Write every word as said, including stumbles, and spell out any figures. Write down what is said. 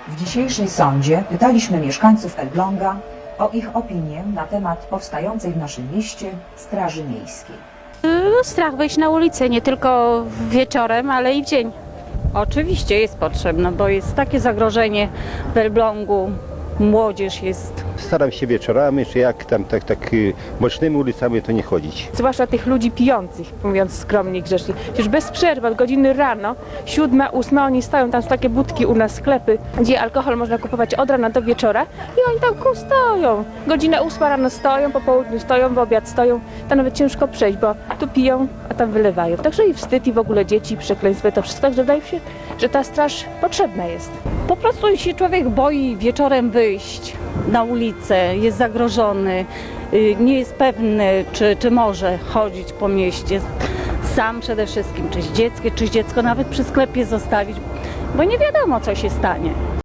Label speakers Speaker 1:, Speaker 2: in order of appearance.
Speaker 1: W dzisiejszej sądzie pytaliśmy mieszkańców Elbląga o ich opinię na temat powstającej w naszym mieście Straży Miejskiej.
Speaker 2: No, strach wyjść na ulicę, nie tylko wieczorem, ale i w dzień.
Speaker 3: Oczywiście jest potrzebna, bo jest takie zagrożenie w Elblągu, młodzież jest.
Speaker 4: Staram się wieczorami, czy jak tam tak, tak y, bocznymi ulicami to nie chodzić.
Speaker 5: Zwłaszcza tych ludzi pijących, mówiąc skromnie i grzecznie. Przecież bez przerwy, od godziny rano, siódma, ósma, oni stoją, tam są takie budki u nas, sklepy, gdzie alkohol można kupować od rana do wieczora i oni tam ku stoją. Godzinę ósma rano stoją, po południu stoją, w obiad stoją, tam nawet ciężko przejść, bo tu piją, a tam wylewają. Także i wstyd, i w ogóle dzieci, przekleństwo, to wszystko, także wydaje mi się, że ta straż potrzebna jest.
Speaker 3: Po prostu się człowiek boi wieczorem wyjść na ulicę, jest zagrożony, y, nie jest pewny, czy, czy może chodzić po mieście sam przede wszystkim, czy z dzieckiem, czy dziecko nawet przy sklepie zostawić, bo nie wiadomo, co się stanie.